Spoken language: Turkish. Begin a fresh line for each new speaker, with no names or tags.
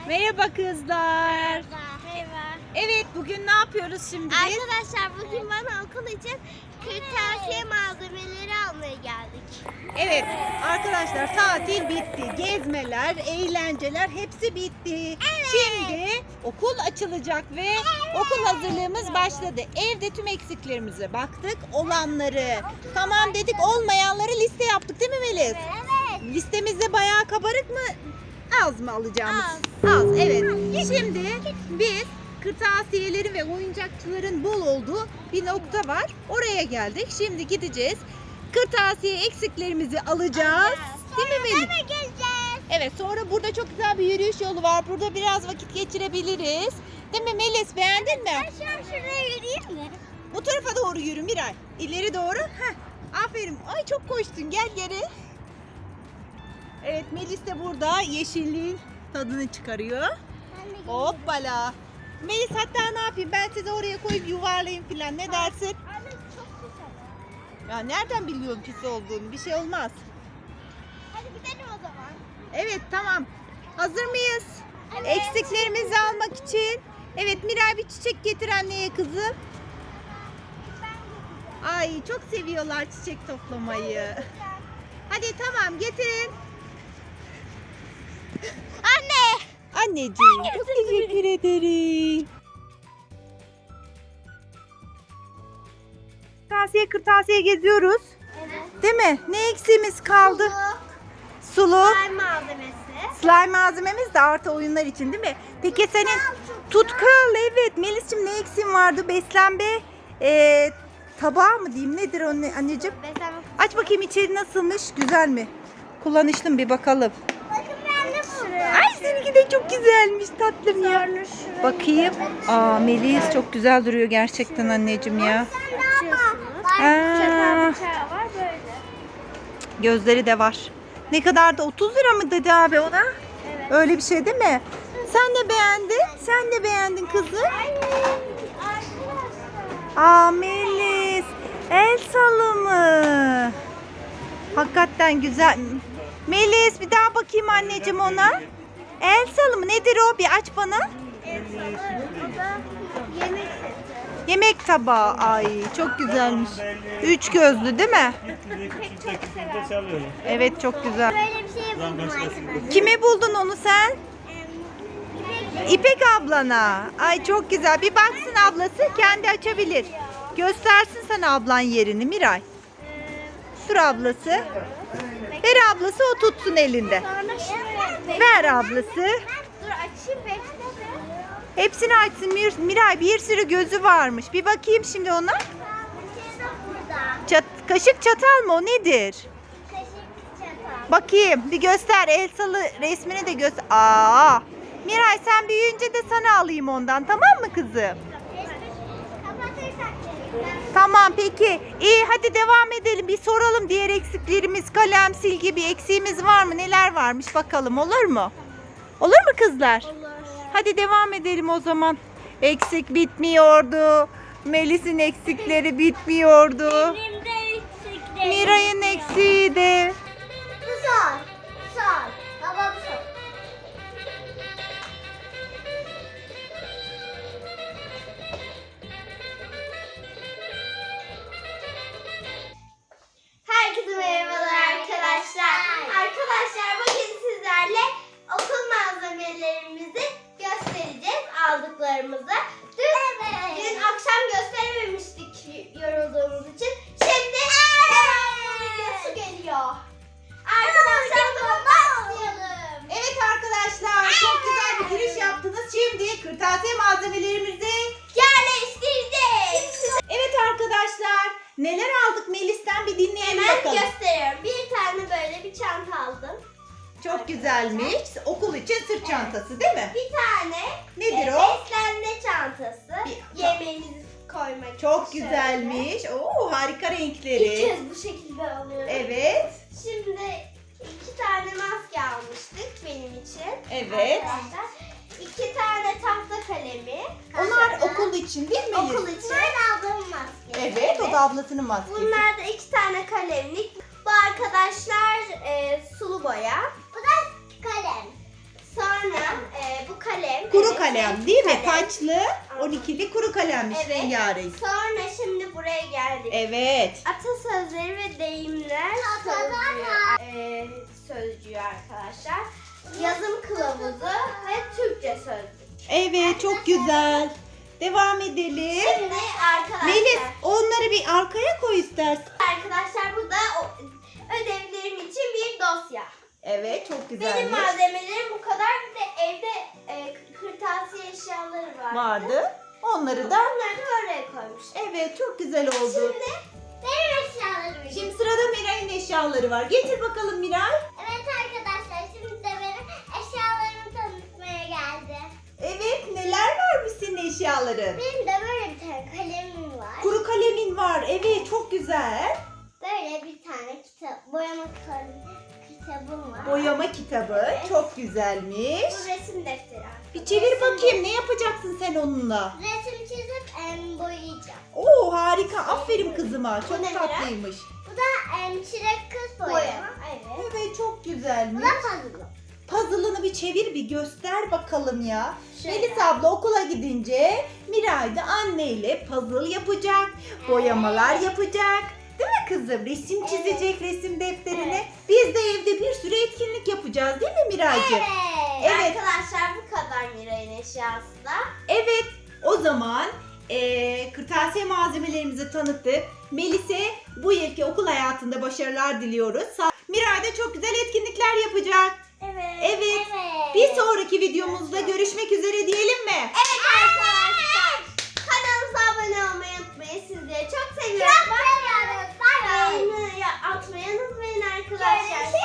Merhaba kızlar.
Merhaba.
Evet, bugün ne yapıyoruz şimdi biz?
Arkadaşlar bugün bana okul için kırtasiye malzemeleri almaya geldik.
Evet arkadaşlar, tatil bitti. Gezmeler, eğlenceler hepsi bitti.
Evet.
Şimdi okul açılacak ve okul hazırlığımız başladı. Evde tüm eksiklerimize baktık. Olanları tamam dedik, olmayanları liste yaptık değil mi Melis?
Evet.
Listemizde bayağı kabarık mı? Az mı alacağımız? Az, evet. Şimdi biz kırtasiyelerin ve oyuncakçıların bol olduğu bir nokta var. Oraya geldik. Şimdi gideceğiz. Kırtasiye eksiklerimizi alacağız. Değil mi Melis?
Eve geleceğiz.
Evet, sonra burada çok güzel bir yürüyüş yolu var. Burada biraz vakit geçirebiliriz. Değil mi Melis? Beğendin mi?
Ben şu an şuraya yürüyeyim mi?
Bu tarafa doğru yürü Miray. İleri doğru. Heh. Aferin. Ay çok koştun. Gel geri. Evet, Melis de burada yeşilliğin tadını çıkarıyor. Hoppala. Melis, hatta ne yapayım, ben sizi oraya koyup yuvarlayayım filan, ne dersin?
Anne çok güzel.
Ya nereden biliyorsun pis olduğunu? Bir şey olmaz.
Hadi gidelim o zaman.
Evet, tamam. Hazır mıyız?
Evet.
Eksiklerimizi almak için. Evet, Miray bir çiçek getir anneye kızım. Ay çok seviyorlar çiçek toplamayı. Hadi tamam, getirin.
Anne.
Anneciğim çok teşekkür ederim. Kırtasiye geziyoruz.
Evet.
Değil mi? Ne eksiğimiz kaldı? Sulu.
Slime malzemesi.
Slime malzememiz de artı oyunlar için değil mi? Peki senin tutkal, evet. Melis'cim, ne eksiğin vardı? Beslenme tabağı mı diyeyim? Nedir o anneciğim?
Beslenme.
Aç bakayım, içeri nasılmış? Güzel mi? Kullanışlı mı, bir bakalım.
Bakın ben de buldum.
Ay seninki de çok güzelmiş tatlım ya. Bakayım. Aa, Melis çok güzel duruyor gerçekten anneciğim ya.
Çatal bıçağı var böyle.
Gözleri de var. Ne kadar da 30 lira mı dedi abi ona?
Evet.
Öyle bir şey değil mi? Sen de beğendin. Sen de beğendin kızım. Aa Melis. El salımı. Hakikaten güzel. Melis, bir daha bakayım anneciğim ona. El salımı nedir o? Bir aç bana.
El salı, o da yemek seti.
Yemek tabağı. Ay çok güzelmiş. 3 gözlü değil mi?
Pek çok sever.
Evet, çok güzel.
Böyle bir şey buldum arkadaşlar.
Kime buldun onu sen? İpek ablana. Ay çok güzel. Bir baksın ablası, kendi açabilir. Göstersin sana ablan yerini Miray. Dur ablası. Ver ablası, o tutsun elinde.
Sonra şuraya
Ver ablası.
Dur açayım bekle.
Hepsini açsın Miray. Bir sürü gözü varmış. Bir bakayım şimdi ona.
Burada.
Kaşık çatal mı o, nedir?
Kaşık çatal.
Bakayım, bir göster. Elsalı resmini de göster. Aa! Miray, sen büyüyünce de sana alayım ondan, tamam mı kızım?
Kapatırsak.
Tamam peki. İyi, hadi devam edelim. Bir soralım, diğer eksiklerimiz, kalem, silgi, bir eksiğimiz var mı? Neler varmış bakalım, olur mu? Olur mu kızlar?
Olur.
Hadi devam edelim o zaman. Eksik bitmiyordu. Melis'in eksikleri bitmiyordu.
Benim de eksiklerim.
Miray'ın eksiği de.
Bu son. Son. Baba bu son. Herkese merhabalar arkadaşlar. Arkadaşlar bugün sizlerle okul malzemelerimizi göstereceğiz, aldıklarımızı. Dün akşam gösterememiştik yorulduğumuz için. Şimdi videosu geliyor. Arkadaşlar başlayalım.
Evet arkadaşlar, çok güzel bir giriş yaptınız. Şimdi kırtasiye malzemelerimizi
Yerleştireceğiz.
Evet arkadaşlar, neler aldık Melis'ten bir dinleyelim
Hemen
bakalım.
gösteriyorum. Bir tane böyle bir çanta aldım.
Çok güzelmiş. Okul için sırt çantası değil mi?
Bir tane
Nedir o?
beslenme çantası.
Bir-
Yemeğimizi koymak
Çok
için
güzelmiş. Oo, harika
şöyle. İlk
renkleri.
kez bu şekilde alıyorum.
Evet.
Şimdi 2 tane maske almıştık benim için.
Evet.
Arkadaşlar. 2 tane tahta kalemi.
Onlar
Aşağıda.
okul için değil mi?
Okul için. Bunlar aldığım maske.
Evet, o da ablasının maskesi.
Bunlar da 2 tane kalemlik. Bu arkadaşlar sulu boya. Bu da kalem. Sonra bu
kalem değil mi? Taçlı 12'li kuru kalemmiş
Evet.
rengarenk.
Sonra şimdi buraya geldik.
Evet.
Atasözleri ve deyimler sözcüğü arkadaşlar. Yazım kılavuzu ve Türkçe sözlük.
Evet, çok güzel. Devam edelim.
Şimdi arkadaşlar.
Melis, onları bir arkaya koy istersen.
Arkadaşlar bu da ödevlerim için bir dosya.
Evet, çok
Benim
güzelmiş.
malzemelerim bu kadar. Bir de evde kırtasiye eşyaları
Vardı. Onları da
Onları da oraya koymuştum.
evet, çok güzel oldu.
Şimdi benim eşyalarım.
Şimdi sırada Miray'ın eşyaları var. Getir bakalım Miray.
Evet arkadaşlar şimdi de benim eşyalarımı tanıtmaya geldi.
Evet, neler varmış senin eşyaların?
Benim de böyle bir tane kalemim var.
Kuru kalemin var. Evet, çok güzel.
Böyle bir tane boyama kitabım var.
Boyama kitabı.
Evet.
Çok güzelmiş.
Bu resim defteri.
Bir çevir bakayım. Ne yapacaksın sen onunla?
Resim çizip boyayacağım.
Oo, harika. Aferin kızıma.
Bu
Çok
ne
tatlıymış.
Bu da çilek kız boyama. Evet.
Evet, çok
Bu
güzelmiş.
da puzzle.
Puzzle'ını bir çevir, bir göster bakalım ya.
Şöyle.
Melis abla okula gidince Miray da anneyle puzzle yapacak, boyamalar yapacak. Değil mi kızım? Resim çizecek resim defterine. Biz de evde bir sürü etkinlik yapacağız değil mi Miraycığım?
Evet.
Evet.
Arkadaşlar bu kadar Miray'ın eşyası da.
Evet, o zaman kırtasiye malzemelerimizi tanıttık. Melis'e bu yılki okul hayatında başarılar diliyoruz. Miray da çok güzel etkinlikler yapacak.
Evet.
Evet. Bir sonraki videomuzda görüşmek üzere diyelim mi?
Evet arkadaşlar. Kanalımıza abone olmayı unutmayın. Sizleri çok seviyoruz. Çok seviyoruz. Bay bay. Beğeni atmayı unutmayın arkadaşlar.